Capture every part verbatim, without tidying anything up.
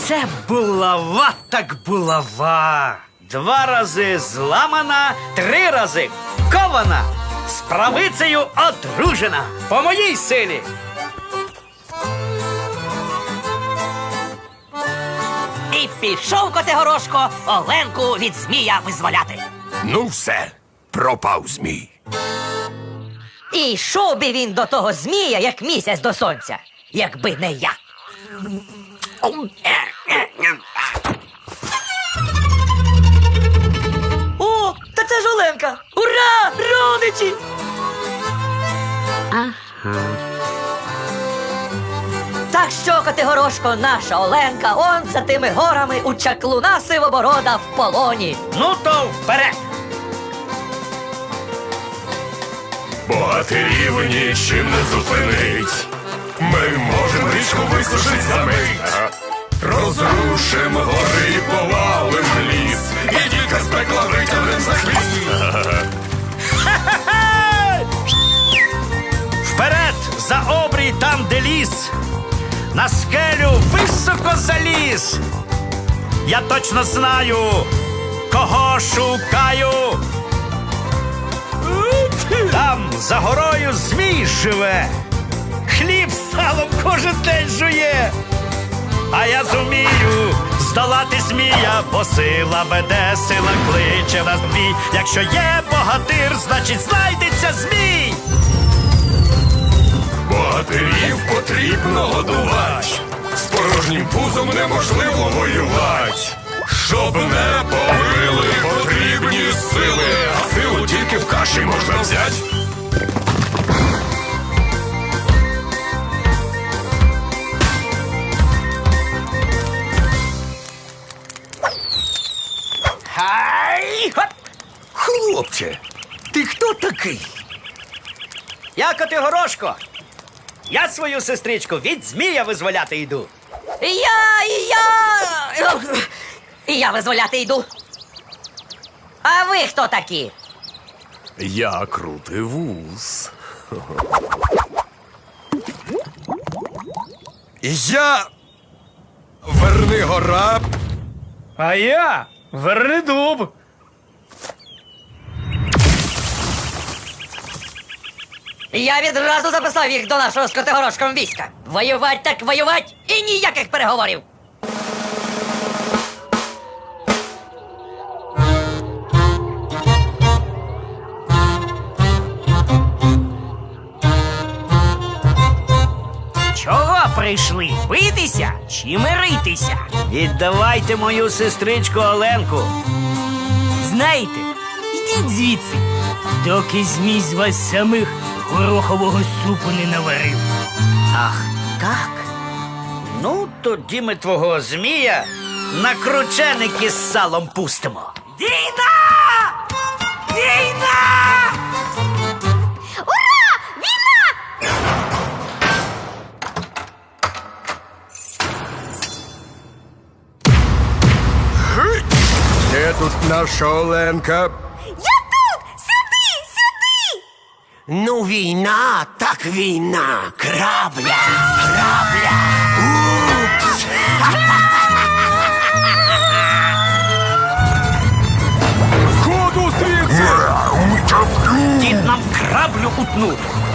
Це булава так булава. Два рази зламана, три рази кована, з правицею одружена. По моїй силі. І пішов Котигорошко Оленку від змія визволяти. Ну все, пропав змій. І йшов би він до того змія, як місяць до сонця, якби не я. О, та це ж Оленка! Ура! Родичі! Ага. Так що, Котигорошко, наша Оленка, он за тими горами у чаклуна Сивоборода в полоні. Ну то вперед! Богатирів нічим не зупинить. Ми можем річку висушить за мить. Розрушим гори і повалим ліс. І дідька з пекла витягнем за хвіст. Вперед, за обрій там, де ліс. На скелю високо заліз. Я точно знаю, кого шукаю. Там за горою змій живе. Хліб з салом кожен день жує. А я зумію здолати змія, бо сила веде, сила кличе нас в бій. Якщо є богатир, значить знайдеться змій. Богатирів потрібно годувати. З порожнім пузом неможливо воювати. Щоб не побили, потрібні сили. А силу тільки в каші можна взяти. Хай! Хоп! Хлопче, ти хто такий? Я Котигорошко. Я свою сестричку від змія визволяти йду. І я, і я... І я визволяти йду. А ви хто такі? Я крутий вуз. Я Вернигора. А я Вернидуб. Я відразу записав їх до нашого з Котигорошком війська. Воювать так воювать і ніяких переговорів. Чого прийшли? Битися чи миритися? Віддавайте мою сестричку Оленку. Знаєте, йдіть звідси, доки змій з вас самих горохового супу не наварив. Ах, так? Ну, тоді ми твого змія на крученики з салом пустимо. Війна! Війна! Де тут наша Оленка? Я тут! Сюди! Сюди! Ну, війна, так війна. Крабля, крабля. Упс. Ходу звідси! Дід нам краблю утнув.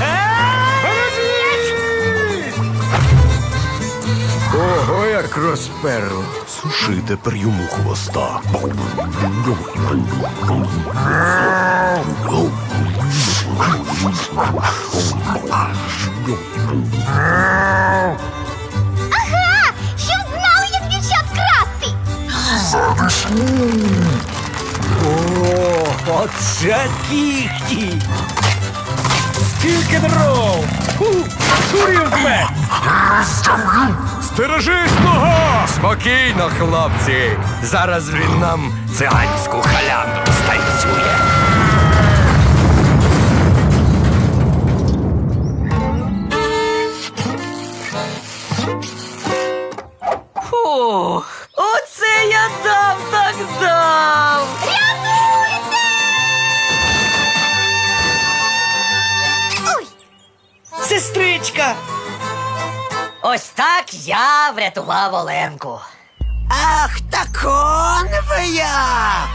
Ого, як розперло. Суши тепер йому хвоста. Ага! Щоб знали, як дівчат красти! О, оце кіхті! Скільки дров! Сурівме! Стережись, нога! Спокійно, хлопці. Зараз він нам циганську халяндру станцює. Фух, оце я дав так дав! Ой! Сестричка! Ось так я врятував Оленку. Ах, так он ви як!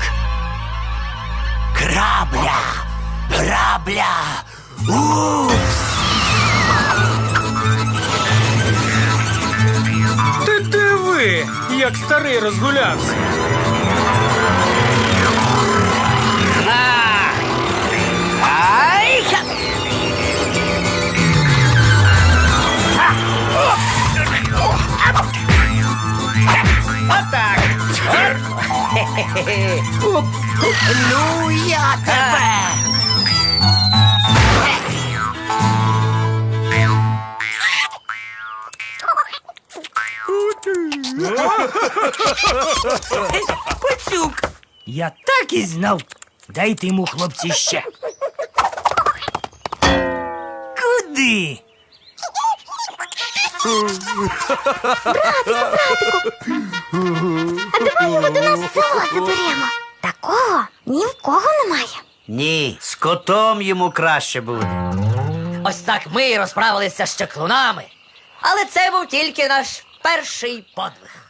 Грабля! Грабля! Упс! Ти диви, як старий розгулявся. Ай! ха! Отак. Хе-хе-хе. Ну я тебе! Пацюк! Я так і знав. Дайте йому, хлопці, ще. Куди? А давай його до нас в село заберемо. Такого ні в кого немає. Ні, з котом йому краще буде. Ось так ми розправилися з чаклунами. Але це був тільки наш перший подвиг.